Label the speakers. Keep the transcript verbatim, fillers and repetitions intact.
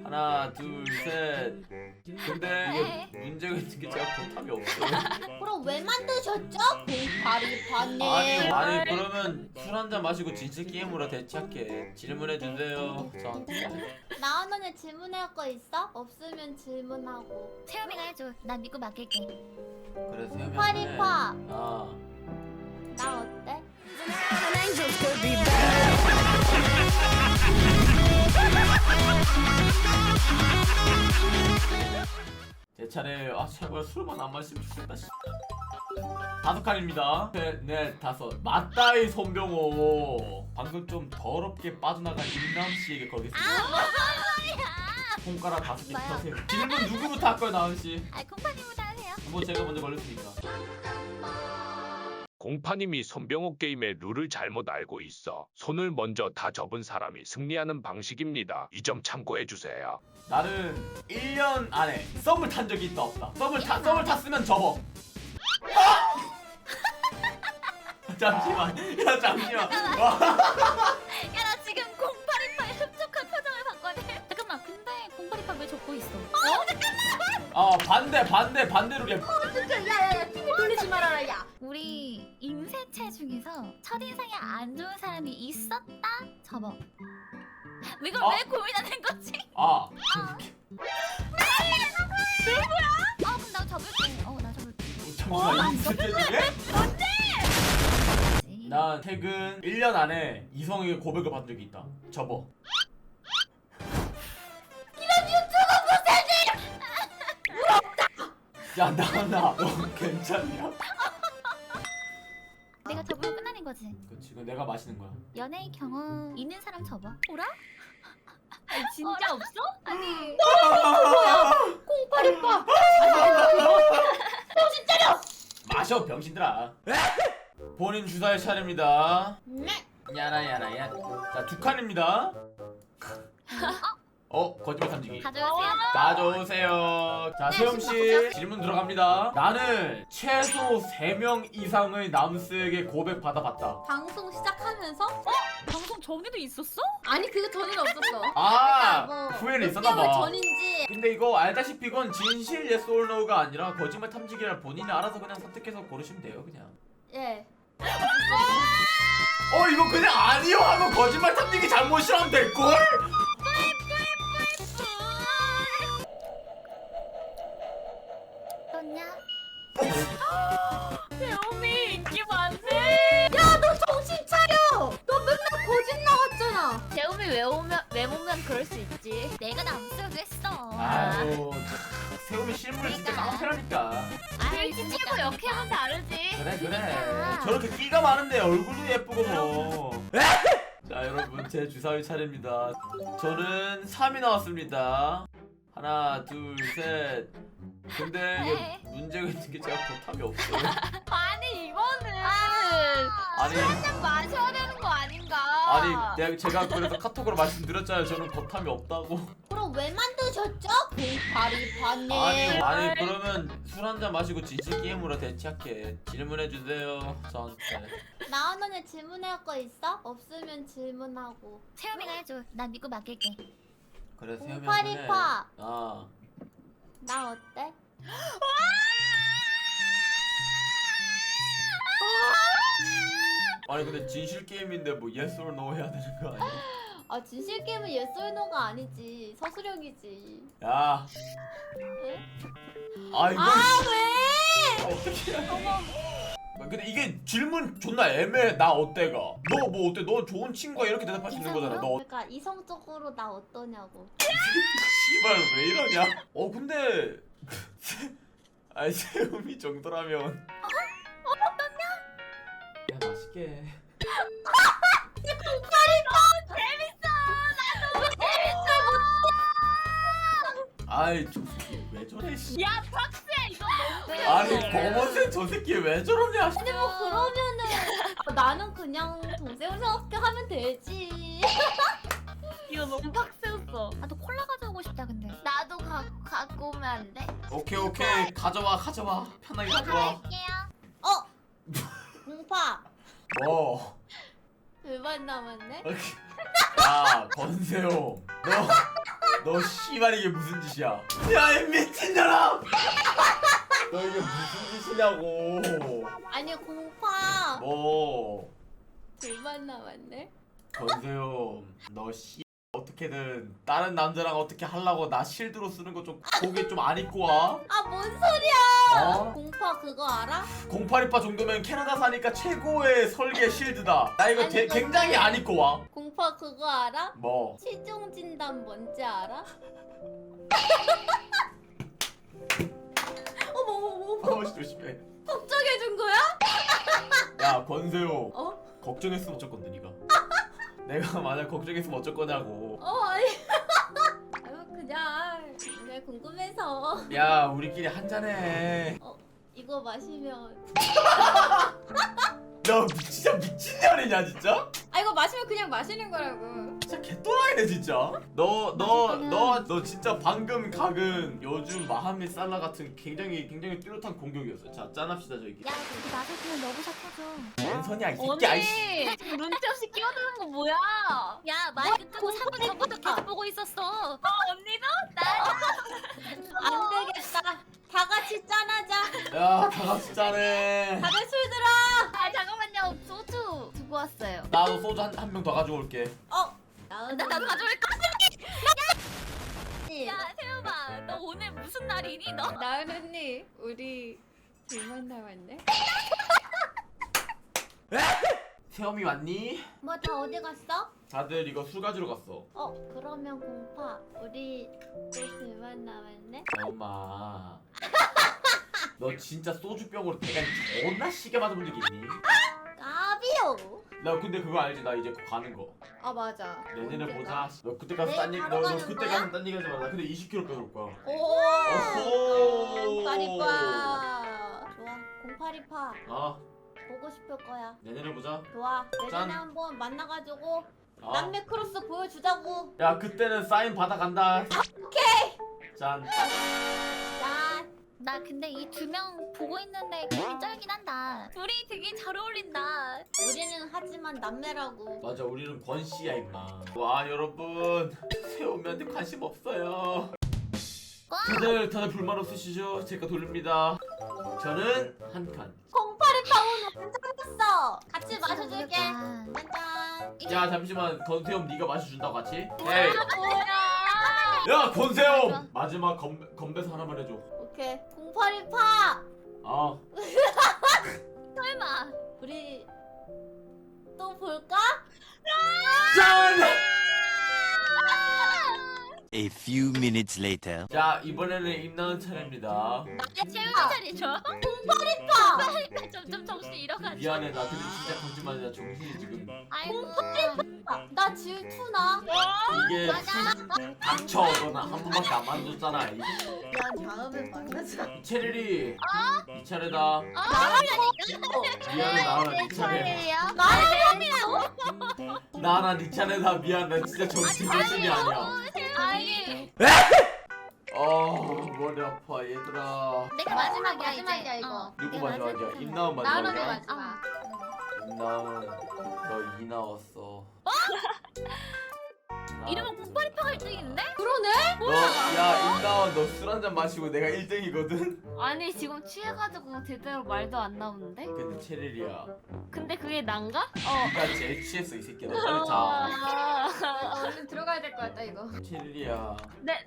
Speaker 1: 하나 둘 셋. 근데 이게 문제가 있는 게 제가 보탑이 없어요.
Speaker 2: 그럼 왜 만드셨죠? 공파리파님.
Speaker 1: 아니 아니 그러면 술 한잔 마시고 진실 게임으로 대체할게. 질문해 주세요. 저한테.
Speaker 2: 나은 언니 질문할 거 있어? 없으면 질문하고.
Speaker 3: 태연이가 해줘. 난 믿고 맡길게.
Speaker 1: 그래 세우면 해.
Speaker 2: 파리파.
Speaker 1: 아.
Speaker 2: 나 어때?
Speaker 1: 제 차례. 아 제발 술만 안 마시면 죽겠다. 씨. 다섯 칸입니다. 셋, 넷, 다섯. 맞다이 손병호. 방금 좀 더럽게 빠져나간 임남씨에게 걸겠습니다.
Speaker 3: 아, 무슨 소리야?
Speaker 1: 손가락 다섯 개
Speaker 3: 뭐야?
Speaker 1: 펴세요. 질문 누구부터 할까요, 나은씨?
Speaker 3: 아, 콩파님부터 하세요.
Speaker 1: 뭐 제가 먼저 걸렸으니까.
Speaker 4: 공파님이 손병호 게임의 룰을 잘못 알고 있어. 손을 먼저 다 접은 사람이 승리하는 방식입니다. 이 점 참고해주세요.
Speaker 1: 나는 일 년 안에 썸을 탄 적이 있다 없다. 썸을 타, 썸을 탔으면 접어. 아! 잠시만. 야 잠시만. 와.
Speaker 3: 야, 나 지금 공파리파의 흡족한 표정을 봤거든. 잠깐만, 근데 공파리파 왜 접고 있어? 어, 잠깐만.
Speaker 1: 아 반대 반대 반대로 해.
Speaker 2: 진짜 야야야 티비 돌리지 말아라 야.
Speaker 3: 우리 임세체 중에서 첫인상이 안 좋은 사람이 있었다? 접어. 이걸
Speaker 1: 어?
Speaker 3: 왜 고민하는 거지?
Speaker 1: 아.
Speaker 3: 누구야? 어, 그럼 나 접을게. 어, 나 접을게.
Speaker 1: 잠시만. 이때 중에?
Speaker 3: 뭔데?
Speaker 1: 난 최근 일 년 안에 이성에게 고백을 받은 적이 있다. 접어. 야 나나 너 괜찮냐?
Speaker 3: 내가 접으면 끝나는 거지.
Speaker 1: 그치 이거 내가 마시는 거야.
Speaker 3: 연애의 경험 있는 사람 접어. 오라?
Speaker 2: 아니 진짜 없어? 아니
Speaker 1: 콩파리파.
Speaker 2: 정신 차려.
Speaker 1: 마셔 병신들아. 본인 주사의 차례입니다.
Speaker 2: 네.
Speaker 1: 야나 야나 야. 자 두 칸입니다. 어 거짓말 탐지기.
Speaker 3: 가져오세요.
Speaker 1: 가져오세요. 자
Speaker 3: 네,
Speaker 1: 세영씨
Speaker 3: 신발
Speaker 1: 질문 들어갑니다. 나는 최소 세 명 이상의 남스에게 고백 받아봤다.
Speaker 2: 방송 시작하면서?
Speaker 3: 방송 전에도 있었어?
Speaker 2: 아니 그거 전에는 없었어.
Speaker 1: 아
Speaker 2: 뭐
Speaker 1: 후회는
Speaker 2: 몇 개월
Speaker 1: 있었나봐.
Speaker 2: 전인지.
Speaker 1: 근데 이거 알다시피 이건 진실 yes or no가 아니라 거짓말 탐지기라 본인이 알아서 그냥 선택해서 고르시면 돼요 그냥.
Speaker 2: 예.
Speaker 1: 어 이거 그냥 아니요 하고 거짓말 탐지기 잘못이라면 될걸?
Speaker 3: 떴냐?
Speaker 2: 배움이 인기 많네. 야 너 정신 차려. 너 맨날 거짓 나왔잖아.
Speaker 3: 재움이 왜 오면 왜 보면 그럴 수 있지. 내가 남수도 했어.
Speaker 1: 아유 세움이 실물을 진짜 깡패라니까.
Speaker 3: 아이 진짜 역해면 다르지.
Speaker 1: 그래 그래
Speaker 3: 그러니까.
Speaker 1: 저렇게 끼가 많은데 얼굴도 예쁘고 뭐. 자 여러분 제 주사위 차례입니다. 저는 삼이 나왔습니다. 하나 둘 셋. 근데 이게 문제가 있는 게 제가 보탑이 없어요.
Speaker 3: 아니 이거는
Speaker 1: 아니
Speaker 3: 한잔 마셔야 되는 거 아닌가?
Speaker 1: 아니 내가 제가 그래서 카톡으로 말씀드렸잖아요. 저는 보탑이 없다고.
Speaker 2: 그럼 왜 만드셨죠? 공파리파님.
Speaker 1: 아니 아니 그러면 술 한잔 마시고 진실 게임으로 대체할게. 질문해 주세요 저한테.
Speaker 2: 나은 언니 질문할 거 있어? 없으면 질문하고.
Speaker 3: 태연이가 해줘. 난 믿고 맡길게.
Speaker 1: 그래 세우면 해.
Speaker 2: 공파리파.
Speaker 1: 아
Speaker 2: 나 어때?
Speaker 1: 아니 근데 진실 게임인데 뭐 yes or no 해야 되는 거 아니야?
Speaker 2: 아 진실 게임은 yes or no가 아니지. 서술형이지.
Speaker 1: 야. 아 이거
Speaker 2: 아
Speaker 1: 씨.
Speaker 2: 왜?
Speaker 1: 어떻게 해야 근데 이게 질문 존나 애매해. 나 어때가? 너 뭐 어때? 너 좋은 친구야 이렇게 대답할 수 있는 거잖아. 너 어-
Speaker 2: 그러니까 이성적으로 나 어떠냐고.
Speaker 1: 씨발 왜 이러냐? 어 근데 아니 세움이 정도라면 어? 어떠냐? 야 맛있게. 아이 저 새끼 왜 저래 씨.
Speaker 3: 야 박스야 이거 너무.
Speaker 1: 아니 검은색 저 새끼 왜 저러냐.
Speaker 2: 근데 뭐 그러면은 아, 나는 그냥 동생스럽게 하면 되지.
Speaker 3: 이거 너무 박스였어. 나도 콜라 가져오고 싶다 근데.
Speaker 2: 나도 가, 갖고 오면 안 돼?
Speaker 1: 오케이 오케이 가져와 가져와 편하게 가져와.
Speaker 3: 갈게요.
Speaker 2: 어? 공파
Speaker 1: 뭐?
Speaker 2: 절반 남았네?
Speaker 1: 야 건세요 너 너 씨발 이게 무슨 짓이야? 야 이 미친년아! 너 이게 무슨 짓이냐고?
Speaker 2: 아니 공파
Speaker 1: 뭐?
Speaker 2: 둘만 남았네.
Speaker 1: 건세요, 너 씨 어떻게든 다른 남자랑 어떻게 하려고 나 실드로 쓰는 거 좀 고개 좀 안 입고 와?
Speaker 2: 아 뭔 소리야?
Speaker 1: 어?
Speaker 2: 공파 그거 알아?
Speaker 1: 공팔이파 정도면 캐나다 사니까 최고의 설계 실드다. 나 이거
Speaker 2: 아니,
Speaker 1: 되-
Speaker 2: 근데-
Speaker 1: 굉장히 안 입고 와.
Speaker 2: 공파 그거 알아?
Speaker 1: 뭐?
Speaker 2: 시종 진단 뭔지 알아? 어머 어머 어머
Speaker 1: 아버지 조심해.
Speaker 2: 걱정해준 거야?
Speaker 1: 야 건세요.
Speaker 2: 어?
Speaker 1: 걱정했으면 어쩔 건데 니가. 내가 만약 걱정했으면 어쩔 거냐고.
Speaker 2: 어 아니 아유 그냥 그냥 궁금해서
Speaker 1: 야 우리끼리 한 잔해.
Speaker 2: 이거 마시면
Speaker 1: 너 미- 진짜 미친년이냐 진짜?
Speaker 2: 아 이거 마시면 그냥 마시는 거라고.
Speaker 1: 진짜 개또라이네 진짜. 너 너 너 너 진짜 방금 각은 요즘 마하메 살라 같은 굉장히 굉장히 뚜렷한 공격이었어. 자 짠합시다 저기.
Speaker 3: 야 여기 마사지는 너부터 터져.
Speaker 1: 왼손이야 이 새끼 아이씨.
Speaker 2: 언니 지금 눈치 없이 끼어드는 거 뭐야?
Speaker 3: 야 마이크 끄고 삼 분 전부터 계속 보고 있었어. 어 언니도? 나
Speaker 2: 안 되겠다. 다 같이 짠하자.
Speaker 1: 야 다 같이 짠해.
Speaker 2: 다들 술 들어.
Speaker 3: 아 잠깐만요 소주 두고 왔어요.
Speaker 1: 나도 소주 한 한 병 더 가지고 올게.
Speaker 2: 어. 나은
Speaker 3: 나 나도 가져올 거.
Speaker 2: 언니.
Speaker 3: 야 세우마 너 오늘 무슨 날이니 너?
Speaker 2: 나은 언니 우리 둘만 남았네.
Speaker 1: 세엄이 왔니?
Speaker 2: 뭐 다 어디 갔어?
Speaker 1: 다들 이거 술 가지러 갔어.
Speaker 2: 어 그러면 공파 우리 또 둘만 남았네.
Speaker 1: 엄마. 너 진짜 소주병으로 대가리 존나 시게 맞아본 적 있니?
Speaker 2: 까비요.
Speaker 1: 나 근데 그거 알지? 나 이제 곧 가는 거.
Speaker 2: 아 맞아.
Speaker 1: 내년에
Speaker 2: 언제
Speaker 1: 보자.
Speaker 2: 가?
Speaker 1: 너 그때 가서
Speaker 2: 내일
Speaker 1: 딴 얘기,
Speaker 2: 바로
Speaker 1: 너, 너
Speaker 2: 가는
Speaker 1: 그때
Speaker 2: 거야?
Speaker 1: 가서 딴 얘기 하지 마. 나 근데 이십 킬로그램 빼올 거야.
Speaker 2: 오.
Speaker 1: 어호.
Speaker 2: 공파리파. 좋아. 공파리파
Speaker 1: 아,
Speaker 2: 보고 싶을 거야.
Speaker 1: 내년에 보자.
Speaker 2: 좋아.
Speaker 1: 짠.
Speaker 2: 내년에 한번 만나가지고
Speaker 1: 아.
Speaker 2: 남매 크로스 보여주자고.
Speaker 1: 야, 그때는 사인 받아간다.
Speaker 2: 오케이.
Speaker 1: 짠.
Speaker 2: 짠.
Speaker 3: 나 근데 이 두 명 보고 있는데 기분이 쩔긴 한다. 둘이 되게 잘 어울린다.
Speaker 2: 우리는 하지만 남매라고.
Speaker 1: 맞아, 우리는 권씨야 임마. 와, 여러분. 세우미한테 관심 없어요. 다들 다들 불만 없으시죠? 제가 돌립니다. 저는 한 칸.
Speaker 2: 공파리파 오늘 괜찮았어. 같이 마셔줄게.
Speaker 3: 아,
Speaker 2: 짠.
Speaker 1: 야, 잠시만. 건세엄 네가 마셔준다고 같이? 에이.
Speaker 2: 뭐야?
Speaker 1: 야, 건세엄. 마지막 건 건배사 하나만 해줘.
Speaker 2: 오케이. 공파리파.
Speaker 1: 아.
Speaker 3: 설마.
Speaker 2: 우리 또 볼까?
Speaker 1: 짠!
Speaker 5: A few minutes later.
Speaker 1: 자, 이번에는 임나은 차례입니다.
Speaker 3: 내 채우기 차리죠.
Speaker 2: 공파리파.
Speaker 3: 점점 정신 잃어가지고.
Speaker 1: 미안해, 나 근데 진짜 거짓말이야. 정신이 지금.
Speaker 3: 아이고.
Speaker 2: 아, 나 질투나.
Speaker 1: 이게 닥쳐. 너는 한 번밖에 안 만졌잖아. 이
Speaker 2: 미안 다음에 만나자.
Speaker 1: 체리리. 이 차례다.
Speaker 3: 아,
Speaker 1: 미안해, 나나 네 차례.
Speaker 3: 나라고?
Speaker 1: 나나 네 차례다. 미안, 나 진짜 정신 정신이 아니야.
Speaker 3: 아니.
Speaker 1: 어, 머리 아파, 얘들아.
Speaker 3: 내가 마지막이야
Speaker 2: 마지막이야,
Speaker 3: 이제.
Speaker 2: 이거.
Speaker 3: 어,
Speaker 1: 누구
Speaker 3: 내가
Speaker 1: 마지막이야?
Speaker 3: 마지막이야.
Speaker 1: 임나은
Speaker 2: 나은이
Speaker 1: 마지막이야?
Speaker 2: 마지막.
Speaker 1: 임나은, 너 이 나왔어. 아.
Speaker 3: 이러면 공파리파가 일 등인데?
Speaker 2: 그러네?
Speaker 1: 너, 야, 임나은, 너 술 한 잔 마시고 내가 일 등이거든?
Speaker 6: 아니 지금 취해가지고 제대로 말도 안 나오는데?
Speaker 1: 근데 체리리야.
Speaker 6: 근데 그게 난가?
Speaker 3: 어.
Speaker 1: 네가 제일 취했어, 이 새끼야. 너 빨리 자.
Speaker 6: 아,
Speaker 2: 아, 얼른 들어가야 될 것 같다 이거.
Speaker 1: 체리리야.
Speaker 6: 네,